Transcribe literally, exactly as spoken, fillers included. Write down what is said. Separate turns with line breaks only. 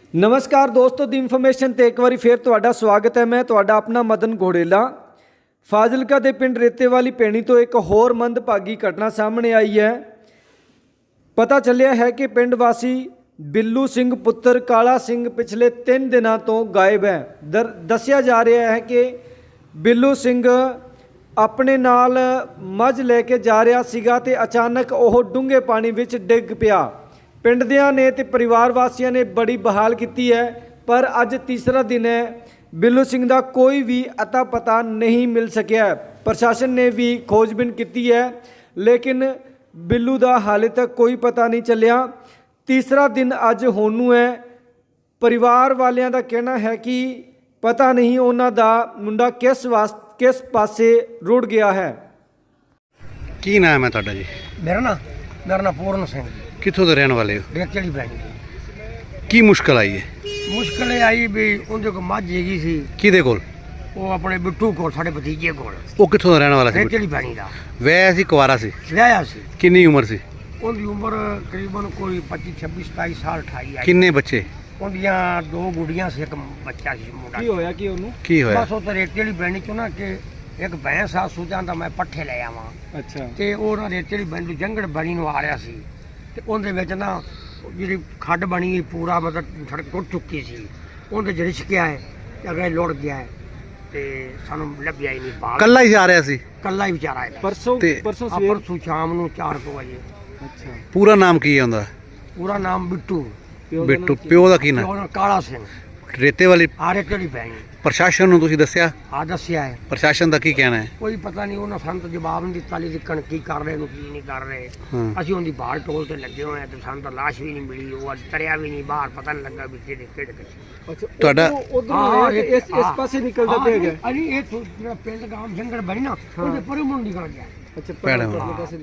ਨਮਸਕਾਰ ਦੋਸਤੋ, ਦੀ ਇਨਫੋਰਮੇਸ਼ਨ ਤੇ ਇੱਕ ਵਾਰੀ ਫਿਰ ਤੁਹਾਡਾ ਸਵਾਗਤ ਹੈ। ਮੈਂ ਤੁਹਾਡਾ ਆਪਣਾ ਮਦਨ ਘੋੜੇਲਾ। ਫਾਜ਼ਿਲਕਾ ਦੇ ਪਿੰਡ ਰੇਤੇਵਾਲੀ ਪੈਣੀ ਤੋਂ ਇੱਕ ਹੋਰ ਮੰਦਭਾਗੀ ਘਟਨਾ ਸਾਹਮਣੇ ਆਈ ਹੈ। ਪਤਾ ਚੱਲਿਆ ਹੈ ਕਿ ਪਿੰਡ ਵਾਸੀ ਬਿੱਲੂ ਸਿੰਘ ਪੁੱਤਰ ਕਾਲਾ ਸਿੰਘ ਪਿਛਲੇ ਤਿੰਨ ਦਿਨਾਂ ਤੋਂ ਗਾਇਬ ਹੈ। ਦਰ ਦੱਸਿਆ ਜਾ ਰਿਹਾ ਹੈ ਕਿ ਬਿੱਲੂ ਸਿੰਘ ਆਪਣੇ ਨਾਲ ਮੱਝ ਲੈ ਕੇ ਜਾ ਰਿਹਾ ਸੀਗਾ ਤੇ ਅਚਾਨਕ ਉਹ ਡੂੰਘੇ ਪਾਣੀ ਵਿੱਚ ਡਿੱਗ ਪਿਆ। ਪਿੰਡ ਦਿਆਂ ਨੇ ਤੇ ਪਰਿਵਾਰ ਵਾਸੀਆਂ ਨੇ ਬੜੀ ਬਹਾਲ ਕੀਤੀ ਹੈ, ਪਰ ਅੱਜ ਤੀਸਰਾ ਦਿਨ ਹੈ, ਬਿੱਲੂ ਸਿੰਘ ਦਾ ਕੋਈ ਵੀ ਅਤਾ ਪਤਾ ਨਹੀਂ ਮਿਲ ਸਕਿਆ। ਪ੍ਰਸ਼ਾਸਨ ਨੇ ਵੀ ਖੋਜਬੀਨ ਕੀਤੀ ਹੈ, ਲੇਕਿਨ ਬਿੱਲੂ ਦਾ ਹਾਲੇ ਤੱਕ ਕੋਈ ਪਤਾ ਨਹੀਂ ਚੱਲਿਆ। ਤੀਸਰਾ ਦਿਨ ਅੱਜ ਹੋਣ ਨੂੰ ਹੈ। ਪਰਿਵਾਰ ਵਾਲਿਆਂ ਦਾ ਕਹਿਣਾ ਹੈ ਕਿ ਪਤਾ ਨਹੀਂ ਉਹਨਾਂ ਦਾ ਮੁੰਡਾ ਕਿਸ ਵਾਸ ਕਿਸ ਪਾਸੇ ਰੁੜ ਗਿਆ ਹੈ।
ਕੀ ਨਾਮ ਹੈ ਤੁਹਾਡਾ ਜੀ?
ਮੇਰਾ ਨਾ ਮੇਰਾ ਨਾਮ ਪੂਰਨ ਸਿੰਘ ਜੀ,
ਕਿੱਥੋਂ ਦੇ ਰਹਿਣ ਵਾਲੇ ਹੋ?
ਰੇਤੇਵਾਲੀ ਪੈਣੀ।
ਕੀ ਮੁਸ਼ਕਲ ਆਈ ਹੈ?
ਮੁਸ਼ਕਲ ਇਹ ਆਈ ਵੀ ਉਹਦੇ ਕੋਲ ਮੱਝ ਹੈਗੀ ਸੀ,
ਕਿਹਦੇ ਕੋਲ?
ਉਹ ਆਪਣੇ ਬਿੱਟੂ ਕੋਲ, ਸਾਡੇ ਭਤੀਜੇ ਕੋਲ,
ਉਹ ਕਿੱਥੋਂ ਦਾ ਰਹਿਣ ਵਾਲਾ ਸੀ?
ਰੇਤੇਵਾਲੀ ਪੈਣੀ ਦਾ
ਵੈ ਸੀ, ਕੁਆਰਾ ਸੀ?
ਵਿਆਹਿਆ ਸੀ।
ਕਿੰਨੀ ਉਮਰ ਸੀ?
ਉਹਦੀ ਉਮਰ ਤਕਰੀਬਨ ਕੋਈ ਪੱਚੀ ਛੱਬੀ ਸਤਾਈ ਸਾਲ ਅਠਾਈ ਆਈ।
ਕਿੰਨੇ ਬੱਚੇ?
ਉਹਦੀਆਂ ਦੋ ਗੁੱਡੀਆਂ ਸੀ, ਇੱਕ ਬੱਚਾ ਸੀ ਮੁੰਡਾ।
ਕੀ ਹੋਇਆ ਕਿ ਉਹਨੂੰ?
ਕੀ ਹੋਇਆ?
ਬਸ ਉਹ ਤਾਂ ਰੇਤੇਵਾਲੀ ਪੈਣੀ ਚੋਂ ਨਾ ਕਿ ਇੱਕ ਭੈਂਸ ਆ ਸੂਜਾਂ ਦਾ ਮੈਂ ਪੱਠੇ ਲੈ ਆਵਾਂ,
ਅੱਛਾ।
ਤੇ ਉਹ ਨਾ ਰੇਤੇਵਾਲੀ ਪੈਣੀ ਤੋਂ ਜੰਗੜ ਬਣੀ ਨੂੰ ਆ ਰਿਹਾ ਸੀ, ਤੇ ਉਹਦੇ ਵਿੱਚ ਨਾ ਜਿਹੜੀ ਖੱਡ ਬਣੀ ਪੂਰਾ ਮਤਲਬ ਸੜਕ ਟੁੱਟ ਚੁੱਕੀ ਸੀ। ਉਹਦੇ ਚ ਰਿਸ਼ਕਿਆ ਹੈ ਤੇ ਅਗਲੇ ਲੁੜ ਗਿਆ ਹੈ, ਤੇ ਸਾਨੂੰ ਲੱਭਿਆ ਹੀ ਨਹੀਂ। ਬਾਹਰ
ਕੱਲਾ ਹੀ ਜਾ ਰਿਹਾ ਸੀ?
ਕੱਲਾ ਹੀ ਵਿਚਾਰਾ ਹੈ।
ਪਰਸੋਂ
ਤੇ-
ਪਰਸੋਂ
ਆ
ਸਵੇਰ।
ਪਰਸੋਂ ਸ਼ਾਮ ਨੂੰ ਚਾਰ ਕੁ ਵਜੇ।
ਅੱਛਾ।
ਪੂਰਾ ਨਾਮ ਕੀ ਹੈ ਉਹਦਾ?
ਪੂਰਾ ਨਾਮ ਬਿੱਟੂ।
ਪਿਓ ਦਾ
ਬਿੱਟੂ।
ਨਾਮ ਕੀ?
ਪਿਓ ਦਾ ਕੀ
ਤੇ
ਨਾਮ?
ਉਹਦਾ ਕਾਲਾ ਸਿੰਘ।
ਰੇਤੇ ਵਾਲੀ
ਆਰੇ ਚੜੀ ਪੈਣੀ
ਪ੍ਰਸ਼ਾਸਨ ਨੂੰ ਤੁਸੀਂ ਦੱਸਿਆ?
ਆ ਦੱਸਿਆ ਹੈ।
ਪ੍ਰਸ਼ਾਸਨ ਦਾ ਕੀ ਕਹਿਣਾ ਹੈ?
ਕੋਈ ਪਤਾ ਨਹੀਂ, ਉਹਨਾਂ ਸਾਨੂੰ ਤਾਂ ਜਵਾਬ ਨਹੀਂ ਦਿੱਤਾ ਲਈ ਦਿੱਕਣ ਕੀ ਕਰ ਰਹੇ ਨੂੰ ਕੀ ਨਹੀਂ ਕਰ ਰਹੇ।
ਹਾਂ।
ਅਸੀਂ ਉਹਦੀ ਬਾਹਰ ਟੋਲ ਤੇ ਲੱਗੇ ਹੋਏ ਆ, ਤੇ ਸਾਨੂੰ ਤਾਂ ਲਾਸ਼ ਵੀ ਨਹੀਂ ਮਿਲੀ। ਉਹ ਅੱਜ ਤਰਿਆ ਵੀ ਨਹੀਂ ਬਾਹਰ, ਪਤਾ ਨਹੀਂ ਲੱਗਾ ਵੀ ਕਿਹੜੇ ਕਿਹੜੇ ਕਿੱਥੇ।
ਅੱਛਾ।
ਤੁਹਾਡਾ-
ਉਧਰ ਇਸ ਇਸ ਪਾਸੇ ਨਿਕਲਦਾ ਪਿਆ ਹੈਗਾ।
ਅਰੇ ਇਹ ਤੋਂ ਜਿਹੜਾ ਪਿੰਡ ਗਾਮ ਜੰਗਲ ਬਣੀ ਨਾ, ਉਹਦੇ ਪਰੇ ਮੁੰਡੀ ਨਿਕਲ ਗਿਆ।
ਅੱਛਾ।
ਭੈੜਾ।
ਪਰਲੇ ਪਾਸੇ